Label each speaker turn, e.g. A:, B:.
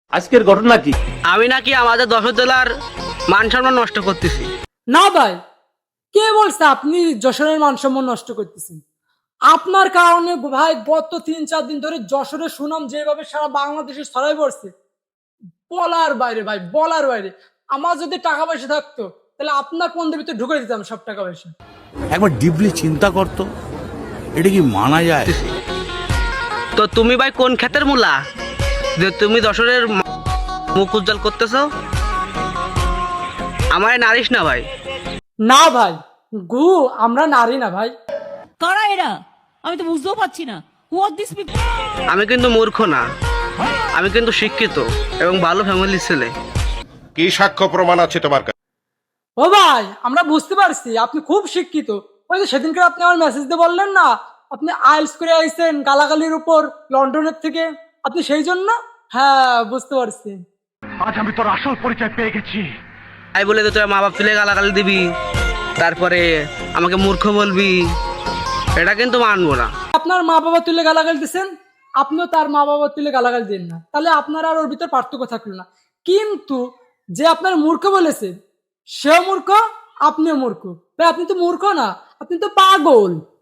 A: আজকের ঘটনা কি?
B: আমি নাকি আমাদের যশোর জেলার মান সম্মান নষ্ট করতেছি।
C: না ভাই, কে বলছে আপনি যশোরের মান সম্মান নষ্ট করতেছেন? আপনার কারণে ভাই গত 3-4 দিন ধরে যশোরের সুনাম যেভাবে সারা বাংলাদেশে ছড়াই পড়ছে, বলার বাইরে ভাই, বলার বাইরে। আমার যদি টাকা পয়সা থাকতো তাহলে আপনার পন্দের ভিতরে ঢুকে দিতাম সব টাকা পয়সা।
D: একবার ডিপলি চিন্তা করতো, এটা কি মানা যায়?
B: তো তুমি ভাই কোন ক্ষেতের মূলা যে তুমি যশোরের মুখ উজ্জ্বল করতেছো? আমায় নারিস না ভাই।
C: না ভাই, গু আমরা নারী না ভাই।
E: কারা এরা? আমি তো বুঝতেও পারছি না। Who are this people?
B: আমি কিন্তু মূর্খ না, আমি কিন্তু শিক্ষিত এবং ভালো ফ্যামিলির ছেলে।
F: কি সাক্ষ্য প্রমাণ আছে তোমার কাছে?
C: ও ভাই, আমরা বুঝতে পারছি আপনি খুব শিক্ষিত। ওই যে সেদিনকে আপনি আমার মেসেজ দিয়ে বললেন না, আপনি আইএলটিএস করে আইছেন গালাগালির উপর লন্ডনের থেকে, আপনি সেই জন্য। হ্যাঁ, বুঝতে পারছি।
B: তাই বলে তো তোর মা বাপ তুলে গালাগালি দিবি, তারপরে আমাকে মূর্খ বলবি, এটা কিন্তু মানবো না।
C: আপনার মা বাবা তুলে গালাগালি দিচ্ছেন, আপনিও তার মা বাবা তুলে গালাগালি দিন না, তাহলে আপনার আর ওর ভিতর পার্থক্য থাকলো না। কিন্তু যে আপনার মূর্খ বলেছে সেও মূর্খ, আপনিও মূর্খ। ভাই আপনি তো মূর্খ না, আপনি তো পাগল।